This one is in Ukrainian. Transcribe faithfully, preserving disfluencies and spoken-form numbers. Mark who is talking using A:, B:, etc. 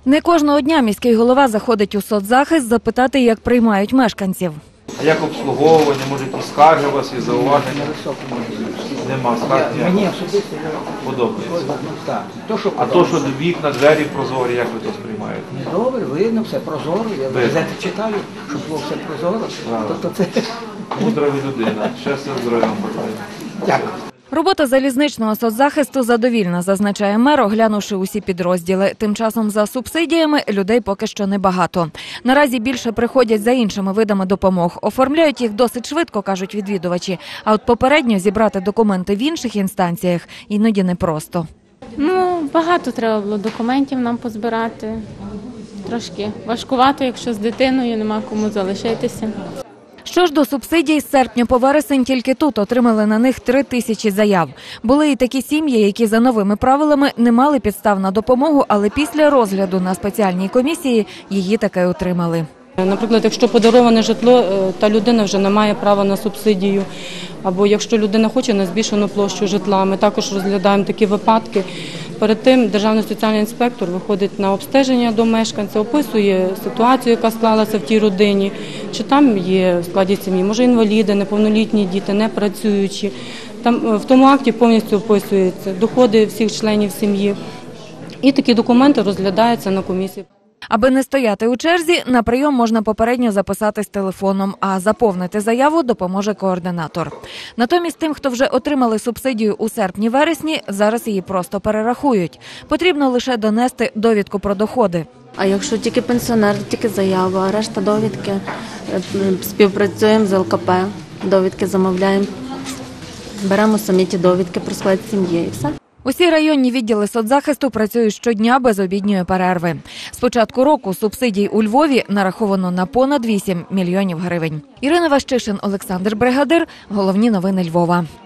A: Не кожного дня міський голова заходить у соцзахист запитати, як приймають мешканців.
B: А як обслуговування, може якісь скарги у вас і зауваження? Нема скарг?
C: Мені особисто
B: подобається.
C: так. То, що
B: а то, що вікна, двері прозорі, як ви то сприймаєте?
C: добре, видно, все прозоро. Я газети читаю, щоб було все прозоро. Тобто це...
B: Мудра ви людина. Щастя, здоров'я вам бажаю.
C: Дякую.
A: Робота залізничного соцзахисту задовільна, зазначає мер, оглянувши усі підрозділи. Тим часом за субсидіями людей поки що небагато. Наразі більше приходять за іншими видами допомог. Оформляють їх досить швидко, кажуть відвідувачі. А от попередньо зібрати документи в інших інстанціях іноді непросто.
D: Ну, багато треба було документів нам позбирати. Трошки важкувато, якщо з дитиною нема кому залишитися.
A: Що ж до субсидій, з серпня по вересень тільки тут отримали на них три тисячі заяв. Були і такі сім'ї, які за новими правилами не мали підстав на допомогу, але після розгляду на спеціальній комісії її таки отримали.
E: Наприклад, якщо подароване житло, та людина вже не має права на субсидію, або якщо людина хоче на збільшену площу житла, ми також розглядаємо такі випадки. Перед тим державний соціальний інспектор виходить на обстеження до мешканця, описує ситуацію, яка склалася в тій родині, чи там є в складі сім'ї, може інваліди, неповнолітні діти, непрацюючі. Там в тому акті повністю описуються доходи всіх членів сім'ї. І такі документи розглядаються на комісії.
A: Аби не стояти у черзі, на прийом можна попередньо записатись телефоном, а заповнити заяву допоможе координатор. Натомість тим, хто вже отримали субсидію у серпні-вересні, зараз її просто перерахують. Потрібно лише донести довідку про доходи.
F: А якщо тільки пенсіонер, тільки заява, а решта довідки, співпрацюємо з ел ка пе, довідки замовляємо, беремо самі ті довідки про склад сім'ї і все.
A: Усі районні відділи соцзахисту працюють щодня без обідньої перерви. З початку року субсидій у Львові нараховано на понад вісім мільйонів гривень. Ірина Ващишин, Олександр Бригадир. Головні новини Львова.